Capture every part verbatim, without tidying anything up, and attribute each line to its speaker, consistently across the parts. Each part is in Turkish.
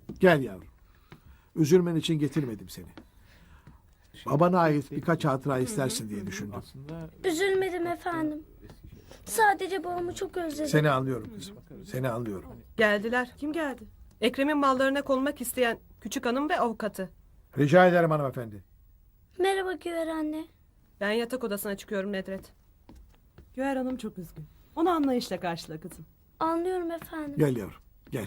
Speaker 1: Gel yavrum. Üzülmen için getirmedim seni. Babana ait birkaç hatıra istersin diye düşündüm.
Speaker 2: Üzülmedim efendim. Sadece babamı çok özledim.
Speaker 1: Seni anlıyorum kızım. Seni anlıyorum.
Speaker 3: Geldiler. Kim geldi? Ekrem'in mallarına konmak isteyen küçük hanım ve avukatı.
Speaker 1: Rica ederim hanımefendi.
Speaker 2: Merhaba Güver anne.
Speaker 3: Ben yatak odasına çıkıyorum Nedret.
Speaker 4: Güher Hanım çok üzgün. Onu anlayışla karşıla kızım.
Speaker 2: Anlıyorum efendim.
Speaker 1: Gel yavrum. Gel.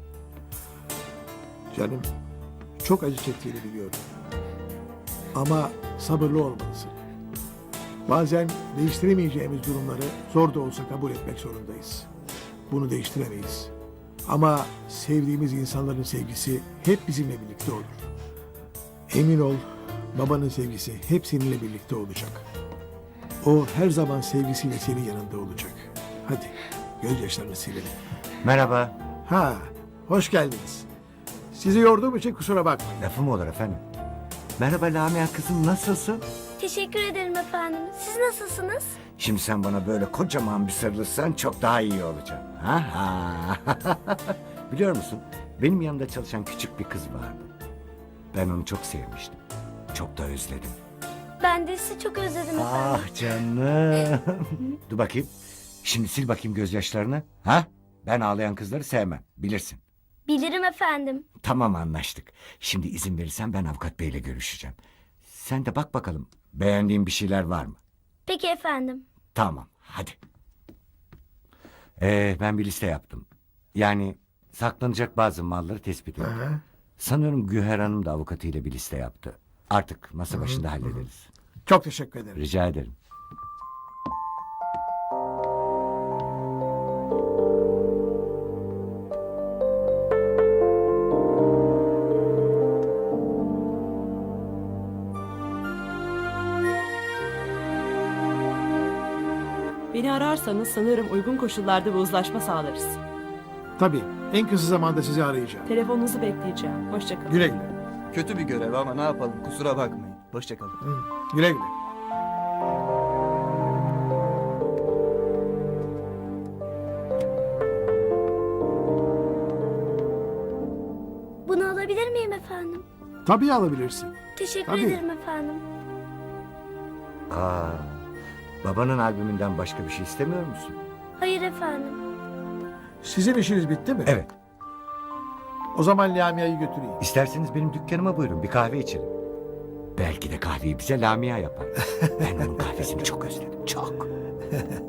Speaker 1: Canım çok acı çektiğini biliyorum. Ama sabırlı olmalısın. Bazen değiştiremeyeceğimiz durumları zor da olsa kabul etmek zorundayız. Bunu değiştiremeyiz. Ama sevdiğimiz insanların sevgisi hep bizimle birlikte olur. Emin ol, babanın sevgisi hep seninle birlikte olacak. O her zaman sevgisiyle senin yanında olacak. Hadi gözyaşlarını silelim.
Speaker 5: Merhaba.
Speaker 1: Ha, hoş geldiniz. Sizi yorduğum için kusura bakmayın.
Speaker 5: Lafım olur efendim. Merhaba Lamia kızım, nasılsın?
Speaker 2: Teşekkür ederim efendim. Siz nasılsınız?
Speaker 5: Şimdi sen bana böyle kocaman bir sarılırsan çok daha iyi olacağım. Ha ha. Biliyor musun? Benim yanımda çalışan küçük bir kız vardı. Ben onu çok sevmiştim. Çok da özledim.
Speaker 2: Ben de sizi çok özledim efendim.
Speaker 5: Ah canım. Dur bakayım. Şimdi sil bakayım gözyaşlarını. Ha? Ben ağlayan kızları sevmem. Bilirsin.
Speaker 2: Bilirim efendim.
Speaker 5: Tamam, anlaştık. Şimdi izin verirsen ben avukat beyle görüşeceğim. Sen de bak bakalım beğendiğin bir şeyler var mı?
Speaker 2: Peki efendim.
Speaker 5: Tamam, hadi. Ee, ben bir liste yaptım. Yani saklanacak bazı malları tespit ettim.
Speaker 1: Aha.
Speaker 5: Sanıyorum Güher Hanım da avukatıyla bir liste yaptı. Artık masa başında hallederiz.
Speaker 1: Çok teşekkür ederim.
Speaker 5: Rica ederim.
Speaker 4: Beni ararsanız sanırım uygun koşullarda bir uzlaşma sağlarız.
Speaker 1: Tabii, en kısa zamanda sizi arayacağım.
Speaker 4: Telefonunuzu bekleyeceğim. Hoşçakalın.
Speaker 1: Güle güle.
Speaker 6: Kötü bir görev ama ne yapalım, kusura bakmayın. Hoşçakalın.
Speaker 1: Hı, güle güle.
Speaker 2: Bunu alabilir miyim efendim?
Speaker 1: Tabii alabilirsin.
Speaker 2: Teşekkür
Speaker 1: Tabii.
Speaker 2: ederim efendim.
Speaker 5: Aa, babanın albümünden başka bir şey istemiyor musun?
Speaker 2: Hayır efendim.
Speaker 1: Sizin işiniz bitti mi?
Speaker 5: Evet.
Speaker 1: O zaman Lamia'yı götüreyim.
Speaker 5: İsterseniz benim dükkanıma buyurun, bir kahve içelim. Belki de kahveyi bize Lamia yapar. Ben onun kahvesini çok özledim, çok.